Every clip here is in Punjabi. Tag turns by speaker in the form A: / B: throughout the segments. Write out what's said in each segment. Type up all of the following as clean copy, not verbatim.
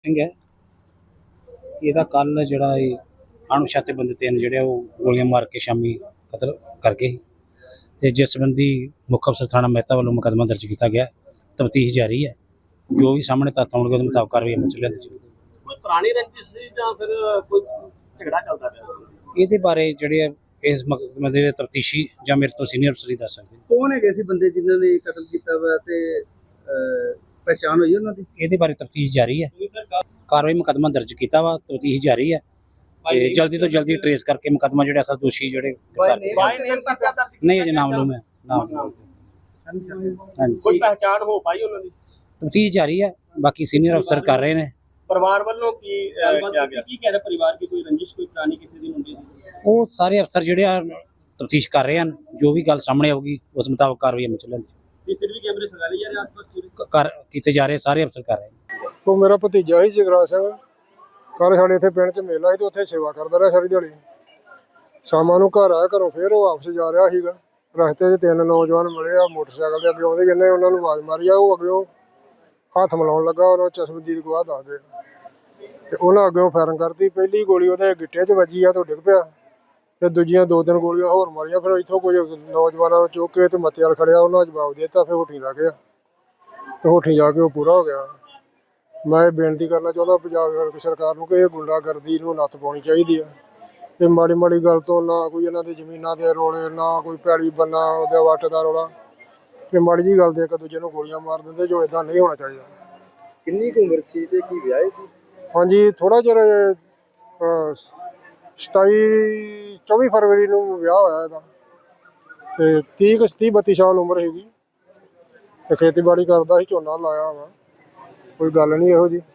A: ਸਿੰਘ ਹੈ। ਇਹਦਾ ਕੱਲ ਜਿਹੜਾ ਇਹ ਅਣਪਛਾਤੇ ਬੰਦੇ ਤਿੰਨ ਜਿਹੜੇ ਉਹ ਗੋਲੀਆਂ ਮਾਰ ਕੇ ਸ਼ਾਮੀ ਕਤਲ ਕਰ ਗਏ ਤੇ ਜਿਸ ਸੰਬੰਧੀ ਮੁੱਖ ਅਫਸਰ ਥਾਣਾ ਮਹਿਤਾ ਵੱਲੋਂ ਮੁਕੱਦਮਾ ਦਰਜ ਕੀਤਾ ਗਿਆ। ਤਫਤੀਸ਼ ਜਾਰੀ ਹੈ। ਜੋ ਵੀ ਸਾਹਮਣੇ ਤੱਥ ਆਉਣਗੇ ਉਹਦੇ ਮੁਤਾਬਕ ਕਾਰਵਾਈ ਅਮਲ 'ਚ ਲਿਆਂਦੀ ਜਾਊਗੀ।
B: ਕੋਈ ਪੁਰਾਣੀ ਰੰਜਿਸ਼ ਸੀ ਜਾਂ ਫਿਰ ਕੋਈ ਝਗੜਾ ਚੱਲਦਾ ਪਿਆ ਸੀ?
A: ਇਹਦੇ ਬਾਰੇ ਜਿਹੜੇ ਇਸ ਮੁਕੱਦਮੇ ਦੇ ਤਫਤੀਸ਼ੀ ਜਾਂ ਮੇਰੇ ਤੋਂ ਸੀਨੀਅਰ ਅਫਸਰ ਹੀ ਦੱਸ ਸਕਦੇ ਨੇ।
C: ਕੌਣ ਹੈਗੇ ਸੀ ਬੰਦੇ ਜਿਨ੍ਹਾਂ ਨੇ ਕਤਲ ਕੀਤਾ ਵਾ ਤੇ ਪਛਾਣ ਹੋਈ ਉਹਨਾਂ ਦੀ?
A: ਇਹਦੇ ਬਾਰੇ ਤਫਤੀਸ਼ ਜਾਰੀ ਹੈ। ਕਾਰਵਾਈ ਮੁਕੱਦਮਾ ਦਰਜ ਕੀਤਾ ਵਾ, ਤਫਤੀਸ਼ ਜਾਰੀ ਹੈ ਤੇ ਜਲਦੀ ਤੋਂ ਜਲਦੀ ਟਰੇਸ ਕਰਕੇ ਮੁਕੱਦਮਾ ਜਿਹੜੇ ਅਸਲ ਦੋਸ਼ੀ ਜਿਹੜੇ ਨਹੀਂ ਅਜੇ ਨਾਮਲੂਮ ਹੈ। ਹਾਂਜੀ,
B: ਕੋਈ ਪਹਿਚਾਣ ਹੋ ਪਾਈ ਉਹਨਾਂ ਦੀ?
A: ਤਫਤੀਸ਼ ਜਾਰੀ ਹੈ, ਬਾਕੀ ਸੀਨੀਅਰ ਅਫਸਰ ਕਰ ਰਹੇ ਨੇ।
B: ਪਰਿਵਾਰ ਵੱਲੋਂ ਕੀ ਕਿਹਾ ਗਿਆ? ਕੀ ਕਹਿ ਰਿਹਾ ਪਰਿਵਾਰ ਕੀ ਕੋਈ ਰੰਜਿਸ਼ ਕੋਈ ਪੁਰਾਣੀ ਕਿਸੇ ਦੀ ਹੁੰਦੀ ਸੀ?
A: ਉਹ ਸਾਰੇ ਅਫਸਰ ਜਿਹੜੇ ਆ ਤਫਤੀਸ਼ ਕਰ ਰਹੇ ਹਨ। ਜੋ ਵੀ ਗੱਲ ਸਾਹਮਣੇ ਆਊਗੀ ਉਸ ਮੁਤਾਬਕ ਕਾਰਵਾਈ ਅਮਲ 'ਚ ਲਿਆਂਦੀ
B: ਸੀਸੀਟੀਵੀ ਕੈਮਰੇ ਖੰਗਾ ਲਈ ਜਾ ਰਹੇ ਆਸ-ਪਾਸ ਪੂਰੇ
A: ਕਰ ਕੀਤੇ ਜਾ ਰਹੇ, ਸਾਰੇ ਅਫਸਰ ਕਰ ਰਹੇ ਨੇ।
D: ਉਹ ਮੇਰਾ ਭਤੀਜਾ ਸੀ ਜਗਰਾਜ ਸਿੰਘ। ਕੱਲ੍ਹ ਸਾਡੇ ਇੱਥੇ ਪਿੰਡ 'ਚ ਮੇਲਾ ਸੀ ਤੇ ਉੱਥੇ ਸੇਵਾ ਕਰਦਾ ਰਿਹਾ ਸਾਰੀ ਦਿਹਾੜੀ। ਸ਼ਾਮਾਂ ਨੂੰ ਘਰ ਆਇਆ, ਘਰੋਂ ਫਿਰ ਉਹ ਵਾਪਸ ਜਾ ਰਿਹਾ ਸੀਗਾ। ਰਸਤੇ 'ਚ ਤਿੰਨ ਨੌਜਵਾਨ ਮਿਲੇ ਆ ਮੋਟਰਸਾਈਕਲ ਦੇ ਅੱਗੇ ਆਉਂਦੇ, ਜਿਹਨੇ ਉਹਨਾਂ ਨੂੰ ਆਵਾਜ਼ ਮਾਰੀ ਆ। ਉਹ ਅੱਗਿਓਂ ਹੱਥ ਮਿਲਾਉਣ ਲੱਗਾ, ਉਹਨਾਂ ਚਸ਼ਮਦੀਦ ਗਵਾਹ ਦੱਸਦੇ ਤੇ ਉਹਨਾਂ ਅੱਗਿਓਂ ਫਾਇਰਿੰਗ ਕਰਤੀ। ਪਹਿਲੀ ਗੋਲੀ ਉਹਦੇ ਗਿੱਟੇ 'ਚ ਵੱਜੀ ਆ ਤੇ ਉਹ ਡਿੱਗ ਪਿਆ ਤੇ ਦੂਜੀਆਂ ਦੋ ਤਿੰਨ ਗੋਲੀਆਂ ਹੋਰ ਮਾਰੀਆਂ। ਫਿਰ ਇੱਥੋਂ ਕੁਝ ਨੌਜਵਾਨਾਂ ਨੂੰ ਚੁੱਕ ਕੇ ਤੇ ਮੱਤੇ ਵਾਲ ਖੜਿਆ, ਉਹਨਾਂ ਜਵਾਬ ਦੇ ਦਿੱਤਾ। ਫਿਰ ਹੋਠੀ ਲੱਗ ਗਿਆ ਤੇ ਹੋਠੀ ਜਾ ਕੇ ਉਹ ਪੂਰਾ ਹੋ ਗਿਆ। ਮੈਂ ਇਹ ਬੇਨਤੀ ਕਰਨਾ ਚਾਹੁੰਦਾ ਪੰਜਾਬ ਸਰਕਾਰ ਨੂੰ ਕਿ ਇਹ ਗੁੰਡਾਗਰਦੀ ਨੂੰ ਨੱਥ ਪਾਉਣੀ ਚਾਹੀਦੀ ਆ। ਇਹ ਮਾੜੀ ਮਾੜੀ ਗੱਲ ਤੋਂ ਨਾ ਕੋਈ ਇਹਨਾਂ ਦੇ ਜ਼ਮੀਨਾਂ ਦੇ ਰੋਲੇ, ਨਾ ਕੋਈ ਪੈਲੀ ਬੰਨਾ ਉਹਦੇ ਵੱਟ ਦਾ ਰੌਲਾ, ਤੇ ਮਾੜੀ ਜਿਹੀ ਗੱਲ ਤੇ ਇੱਕ ਦੂਜੇ ਨੂੰ ਗੋਲੀਆਂ ਮਾਰ ਦਿੰਦੇ, ਜੋ ਇਦਾਂ ਨਹੀਂ ਹੋਣਾ ਚਾਹੀਦਾ।
C: ਕਿੰਨੀ ਕੁ ਉਮਰ ਸੀ ਤੇ ਕੀ ਵਿਆਹੇ ਸੀ?
D: ਹਾਂਜੀ, ਥੋੜਾ ਚਿਰ 24 ਫਰਵਰੀ ਨੂੰ ਵਿਆਹ ਹੋਇਆ ਇਹਦਾ ਤੇ 30-32 ਸਾਲ ਉਮਰ ਹੈਗੀ ਤੇ ਖੇਤੀਬਾੜੀ ਕਰਦਾ ਸੀ, ਝੋਨਾ ਲਾਇਆ ਵਾ। ਕੋਈ ਗੱਲ ਨਹੀਂ ਇਹੋ ਜੀ।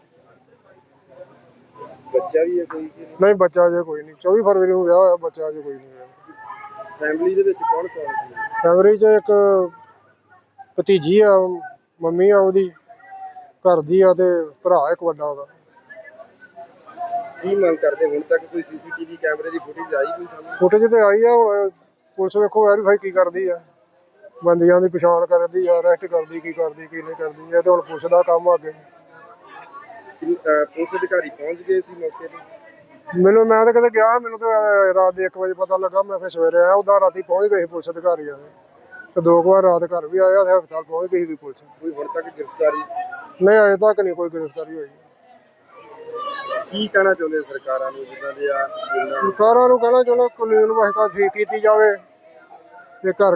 C: ਬੱਚਾ ਵੀ ਹੈ ਕੋਈ?
D: ਨਹੀਂ, ਬੱਚਾ ਅਜੇ ਕੋਈ ਨਹੀਂ। 24 ਫਰਵਰੀ ਨੂੰ ਵਿਆਹ ਹੋਇਆ, ਬੱਚਾ ਅਜੇ ਕੋਈ ਨਹੀਂ ਹੈ।
C: ਫੈਮਿਲੀ ਦੇ ਵਿੱਚ ਕੌਣ ਕੌਣ ਸੀ?
D: ਫੈਮਿਲੀ 'ਚ ਇੱਕ ਭਤੀਜੀ ਆ, ਮੰਮੀ ਆ ਉਹਦੀ ਘਰ ਦੀ ਆ, ਤੇ ਭਰਾ ਇੱਕ ਵੱਡਾ ਉਹਦਾ।
C: ਕੀ ਮੰਗ ਕਰਦੇ? ਹੁਣ ਤੱਕ ਕੋਈ ਸੀਸੀਟੀਵੀ ਕੈਮਰੇ ਦੀ ਫੁਟੇਜ ਆਈ ਕੋਈ ਸਾਹਮਣੇ?
D: ਫੁਟੇਜ ਤੇ ਆਈ ਆ, ਹੁਣ ਪੁਲਿਸ ਵੇਖੋ ਵੈਰੀਫਾਈ ਕੀ ਕਰਦੀ ਆ, ਬੰਦਿਆਂ ਦੀ ਪਛਾਣ ਕਰਦੀ ਆ, ਅਰੈਸਟ ਕਰਦੀ, ਕੀ ਕਰਦੀ ਕੀ ਨਹੀਂ ਕਰਦੀ। ਇਹ ਤੇ ਹੁਣ ਪੁਲਿਸ ਦਾ ਕੰਮ ਆ ਅੱਗੇ।
C: ਪੁਲਿਸ ਅਧਿਕਾਰੀ ਪਹੁੰਚ ਗਏ ਸੀ ਮੌਕੇ ਤੇ?
D: ਮੈਂ ਤਾਂ ਕਦੇ ਗਿਆ, ਮੈਨੂੰ ਤਾਂ ਰਾਤ ਦੇ 1 ਵਜੇ ਪਤਾ ਲੱਗਾ। ਮੈਂ ਫਿਰ ਸਵੇਰੇ ਆਇਆ। ਉਦਾਂ ਰਾਤੀ ਪਹੁੰਚ ਗਏ ਸੀ ਪੁਲਿਸ ਅਧਿਕਾਰੀ ਆ ਤੇ 2 ਵਾਰ ਰਾਤ ਘਰ ਵੀ ਆਇਆ ਤੇ ਹਸਪਤਾਲ ਪਹੁੰਚ ਗਈ ਸੀ ਪੁਲਿਸ।
C: ਕੋਈ ਹੁਣ ਤੱਕ ਗ੍ਰਿਫਤਾਰੀ?
D: ਨਹੀਂ, ਅਜੇ ਤੱਕ ਨਹੀਂ ਕੋਈ ਗ੍ਰਿਫਤਾਰੀ ਹੋਈ।
C: ਕੀ ਕਹਿਣਾ ਚਾਹੁੰਦੇ ਸਰਕਾਰਾਂ ਨੂੰ ਜਿਨ੍ਹਾਂ ਦੇ
D: ਸਰਕਾਰਾਂ ਨੂੰ ਕਹਿਣਾ ਚਾਹੁੰਦਾ ਕਾਨੂੰਨ ਵਿਵਸਥਾ ਠੀਕ ਕੀਤੀ ਜਾਵੇ ਤੇ ਘਰ